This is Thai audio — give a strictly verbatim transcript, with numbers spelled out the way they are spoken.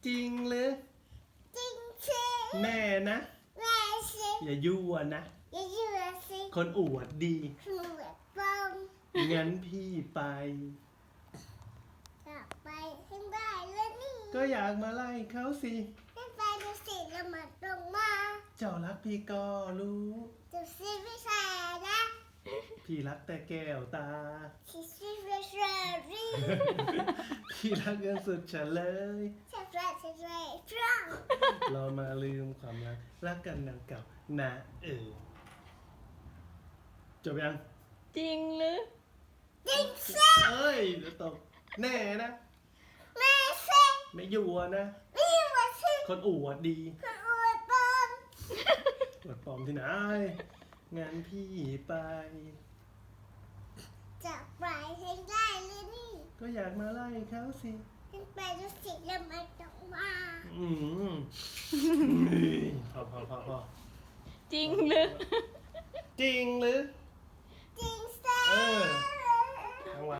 จริงหรือจริงสิแม่นะแม่สิอย่ายั่วนะอย่าอยู่สิคนอวดดีคือแบบปอมงั้นพี่ไปกลับไปให้ได้แล้วนี่ก็อยากมาไล่เขาสิให้ไปดูสิแล้วมันตรงมาเจ้ารักพี่ก็รู้ดูสิไม่ใช่นะพี่รักแต่แก้วตาสิสิไม่ใช่รีพี่รักกันสุดฉันเลยใช่ใช่ใช่ใช่พร้อมเรามาลืมความรักรักกันดังเก่านะเออจบยังจริงหรือจริงสิเอ้ยเดี๋ยวตกแน่นะแม่สิไม่ยั่วนะไม่อยู่สิคนอวดดีคืออวดปอมอวดปลอมที่ไหนงั้นพี่ไปจะไปให้ได้เลยนี่ก็อยากมาไล่เขาสิให้ไปดูสิแล้วมันตรงมาอืมพอพอพอพอจริงหรือจริงหรือ